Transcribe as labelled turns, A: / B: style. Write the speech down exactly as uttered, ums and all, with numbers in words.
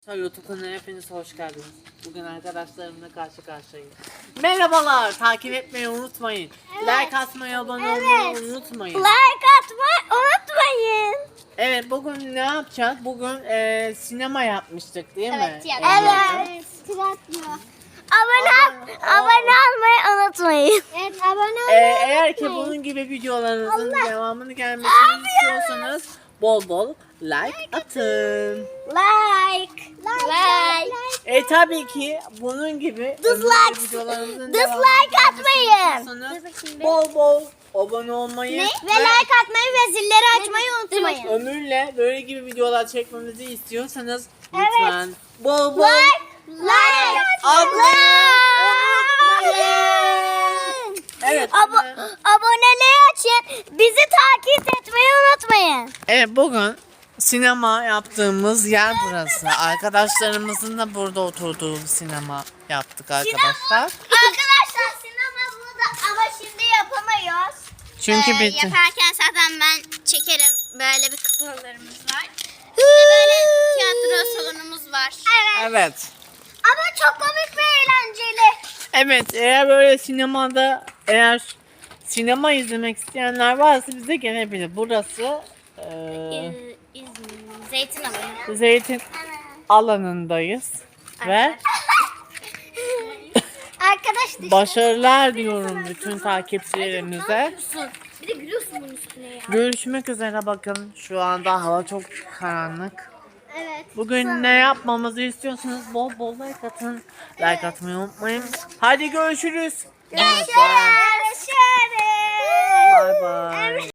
A: Arkadaşlar YouTube kanalına hepiniz hoş geldiniz. Bugün arkadaşlarımla karşı karşıyayım. Merhabalar, takip etmeyi unutmayın.
B: Evet.
A: Like atmayı, abone
B: Evet.
A: olmayı unutmayın.
B: Like atmayı unutmayın.
A: Evet, bugün ne yapacağız? Bugün e, sinema yapmıştık değil mi?
B: Evet.
A: Elya'cığım?
B: Evet. Tiyatro. Abone,
A: Abone-
B: abone olmayı unutmayın. Evet, abone
A: E,
B: olmayı
A: eğer ki
B: unutmayın.
A: bunun gibi videolarınızın
B: Allah.
A: devamını gelmesini istiyorsanız bol bol like atın.
B: Like. Like.
A: E tabii ki bunun gibi
B: Dislike.
A: videolarımızın
B: Dislike
A: devamını
B: atmayın.
A: istiyorsanız bol bol abone olmayı
B: Ve like atmayı ve zilleri açmayı unutmayın.
A: Ömür'le böyle gibi videolar çekmemizi istiyorsanız
B: Evet.
A: lütfen bol bol
B: Like. Like.
A: atmayı unutmayın. Evet.
B: Abo aboneliği açın. Bizi takip etmeyi unutmayın.
A: Evet, bugün sinema yaptığımız yer burası. Arkadaşlarımızın da burada oturduğu bir sinema yaptık arkadaşlar.
B: Arkadaşlar sinema burada ama şimdi yapamıyoruz.
A: Çünkü
C: Ee,
A: bitti.
C: Yaparken zaten ben çekerim. Böyle bir kuklalarımız var. Bir de böyle tiyatro salonumuz var.
B: Evet.
A: Evet.
B: Ama çok komik ve eğlenceli.
A: Evet, eğer böyle sinemada eğer sinema izlemek isteyenler varsa bize gelebilir. Burası eee,
C: Ee, İzmir, Zeytin Alanı.
A: zeytin alanındayız ve
B: Arkadaş
A: başarılar diyorum bütün takipçilerimize.
C: Bir de gülüyorsun bunun üstüne ya.
A: Görüşmek üzere, bakın şu anda hava çok karanlık.
B: Evet.
A: Bugün ne yapmamızı istiyorsanız bol bol like atın. Like atmayı unutmayın. Hadi görüşürüz.
B: Görüşürüz.
A: Bye bye.